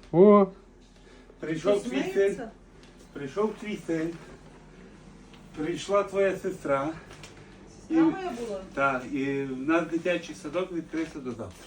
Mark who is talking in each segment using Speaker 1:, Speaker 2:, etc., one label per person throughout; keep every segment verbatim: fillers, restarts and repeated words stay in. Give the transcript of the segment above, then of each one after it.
Speaker 1: О,
Speaker 2: Прийшов твій син. Прийшов твій син. Прийшла твоя сестра.
Speaker 3: Сестра моя була?
Speaker 2: Так, і в нас дитячий садок відкрився до завтра.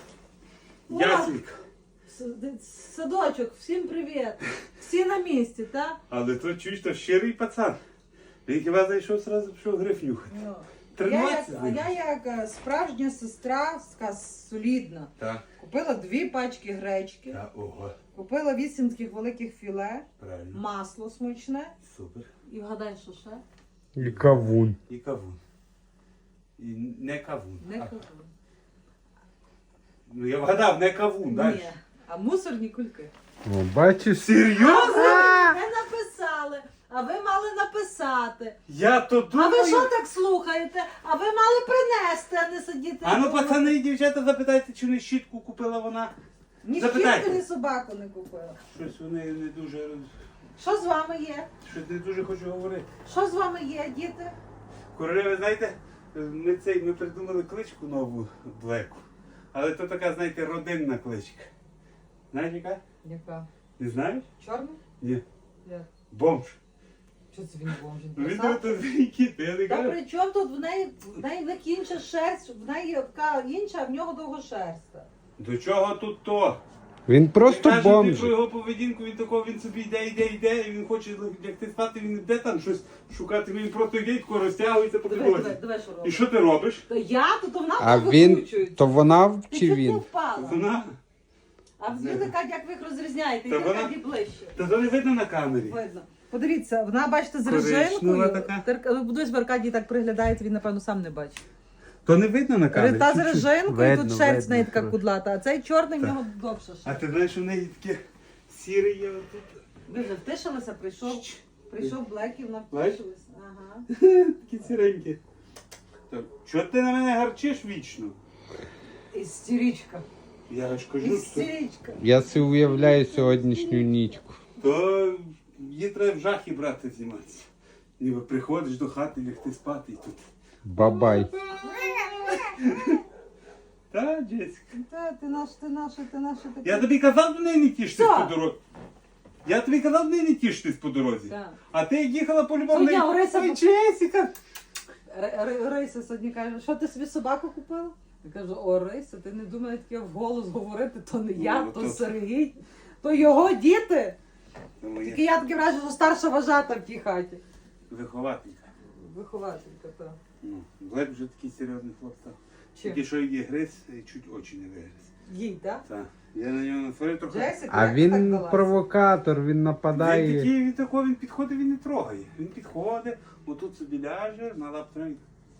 Speaker 3: О!
Speaker 2: Ясенька.
Speaker 3: С- Садочок, всім привіт. Всі на місці, так?
Speaker 2: Але то чуєш, то щирий пацан. Він хіба зайшов, одразу пішов гриф нюхати.
Speaker 3: Ну. Я як,
Speaker 2: Тренуватися з
Speaker 3: а
Speaker 2: ним.
Speaker 3: я як е, справжня сестра, така солідна.
Speaker 2: Так.
Speaker 3: Купила дві пачки гречки,
Speaker 2: Так, ого.
Speaker 3: купила вісім таких великих філе,
Speaker 2: Правильно.
Speaker 3: масло смачне.
Speaker 2: Супер.
Speaker 3: І вгадай, що ще?
Speaker 1: і кавун.
Speaker 2: І кавун. І не кавун.
Speaker 3: Не
Speaker 2: а,
Speaker 3: кавун.
Speaker 2: Ну я вгадав, не кавун, далі.
Speaker 3: Ні, а мусорні кульки.
Speaker 1: О, бачиш?
Speaker 2: Серйозно?
Speaker 3: Не написали, а ви мали написати.
Speaker 2: Я то
Speaker 3: А
Speaker 2: думаю.
Speaker 3: ви що так слухаєте? А ви мали принести, а не сидіти.
Speaker 2: А ну,
Speaker 3: вдома.
Speaker 2: пацани і дівчата, запитайте, чи не щітку купила вона.
Speaker 3: Ні
Speaker 2: запитайте.
Speaker 3: щітку, ні собаку не купила.
Speaker 2: Щось вони не дуже.
Speaker 3: Що з вами є?
Speaker 2: Щось не дуже хочу говорити.
Speaker 3: Що з вами є, діти?
Speaker 2: Королева, знаєте, ми цей ми придумали кличку нову Блеку. Але то така, знаєте, родинна кличка. Знаєш яка?
Speaker 3: Яка?
Speaker 2: Не знаєш?
Speaker 3: Чорна?
Speaker 2: Ні.
Speaker 3: Як?
Speaker 2: Бомж.
Speaker 3: Що це він бомж?
Speaker 2: Ну він тут кіт, я не
Speaker 3: Та
Speaker 2: кажу.
Speaker 3: при чому тут в неї, в неї в них інша шерсть, в неї така інша, а в нього довгошерста.
Speaker 2: До чого тут то?
Speaker 1: Він просто
Speaker 2: Я кажу, ти
Speaker 1: бомж.
Speaker 2: про його поведінку, він такого, він собі йде, йде, йде, і він хоче лягти спати, він йде там щось шукати, він просто йде, тако розтягується по
Speaker 3: Давай, давай,
Speaker 2: підлозі.
Speaker 3: давай, що
Speaker 2: І
Speaker 3: робиш?
Speaker 2: що ти робиш?
Speaker 3: Та я, то, то вона
Speaker 1: А
Speaker 3: так
Speaker 1: він,
Speaker 3: викручується.
Speaker 1: то вона
Speaker 3: Ти
Speaker 1: чи
Speaker 3: чуть не
Speaker 1: він?
Speaker 3: впала.
Speaker 2: Вона?
Speaker 3: А вони кажуть, як ви їх розрізняєте,
Speaker 2: Та
Speaker 3: і
Speaker 2: вона-
Speaker 3: вона ближче.
Speaker 2: Та то не видно на камері.
Speaker 3: Видно. Подивіться, вона, бачите, з
Speaker 2: Коричнева
Speaker 3: режимкою.
Speaker 2: така.
Speaker 3: Тер- Будусь в Аркадії так приглядається, він, напевно, сам не бачить.
Speaker 2: То не видно на камері.
Speaker 3: Та з
Speaker 2: чуть-чуть.
Speaker 3: режинкою,
Speaker 1: Видно,
Speaker 3: тут шерсть
Speaker 1: видно,
Speaker 3: в неї така
Speaker 1: трохи.
Speaker 3: кудлата, а цей чорний в
Speaker 2: Так.
Speaker 3: нього довша
Speaker 2: А
Speaker 3: шерсть.
Speaker 2: ти знаєш, у неї таке сіре є отут.
Speaker 3: Ви вже втишилися, прийшов, прийшов Блек і вона
Speaker 2: Бачиш?
Speaker 3: втишилась. Ага.
Speaker 2: Такі сіренькі. Так, чого ти на мене гарчиш вічно?
Speaker 3: Істеричка.
Speaker 2: Я ж кажу, що
Speaker 3: Істеричка.
Speaker 1: Я си уявляю сьогоднішню нічку.
Speaker 2: то її треба в жахі брати зніматися. Ніби приходиш до хати, лягти спати і тут.
Speaker 1: Бабай.
Speaker 2: Та, Джесіка.
Speaker 3: Та, ти наш, ти наш, ти наш такий.
Speaker 2: Я тобі казав до неї не тішитись
Speaker 3: Що?
Speaker 2: по дорозі. Я тобі казав до неї не тішитись по дорозі.
Speaker 3: Так.
Speaker 2: А ти як їхала по любому.
Speaker 3: То я, Орися,
Speaker 2: Ой,
Speaker 3: по-
Speaker 2: Джесіка.
Speaker 3: Р- Р- Рися сьогодні каже, що ти собі собаку купила? Я кажу, о, Рися, ти не думай таке вголос говорити, то не я,
Speaker 2: Ну,
Speaker 3: то
Speaker 2: то-
Speaker 3: Сергій, то його діти.
Speaker 2: Ну,
Speaker 3: Тільки
Speaker 2: я
Speaker 3: я таке враження, що старша вважата в тій хаті.
Speaker 2: вихователька.
Speaker 3: Вихователька, так.
Speaker 2: Ну, Блек вже такий серйозний хлопець.
Speaker 3: Чим?
Speaker 2: Тільки що її гриз, і чуть очі не вигриз.
Speaker 3: Їй, так?
Speaker 2: Так. Я на нього насварив трохи.
Speaker 3: Джесіка,
Speaker 1: А
Speaker 3: як ти так
Speaker 1: він
Speaker 3: далася?
Speaker 1: провокатор, він
Speaker 2: Він
Speaker 1: нападає.
Speaker 2: такий, він такого, він підходить, він не трогає. Він підходить, отут собі ляже, на лаптрові.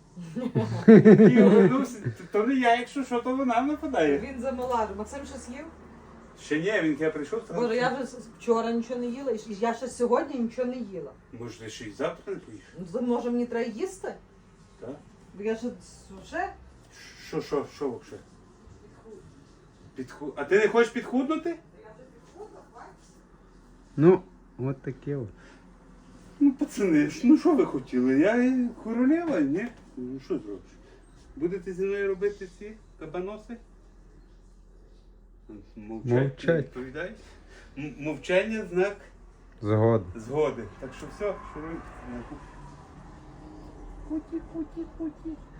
Speaker 2: І овернувся. То не я, якщо що, то вона нападає.
Speaker 3: Він замала. Максим щось їв?
Speaker 2: Ще ні, він я прийшов, сказав,
Speaker 3: Боже, я вже с- вчора нічого не їла, і я ще сьогодні нічого не їла.
Speaker 2: може ти ще й завтра не поїш?
Speaker 3: Ну, то, може мені треба їсти?
Speaker 2: Так?
Speaker 3: Бо я ще вже
Speaker 2: Що, що, що взагалі? Підху... А ти не хочеш підхуднути?
Speaker 1: Ну, от таке от.
Speaker 2: Ну, пацани, ж, ну що ви хотіли? Я і королева, ні? Ну що зробиш? Будете зі мною робити ці кабаноси? Мовчать.
Speaker 1: Мовчать.
Speaker 2: не відповідають. М- Мовчання знак
Speaker 1: Згоден.
Speaker 2: згоди. Так що все, шуруй. Путі, путі, путі.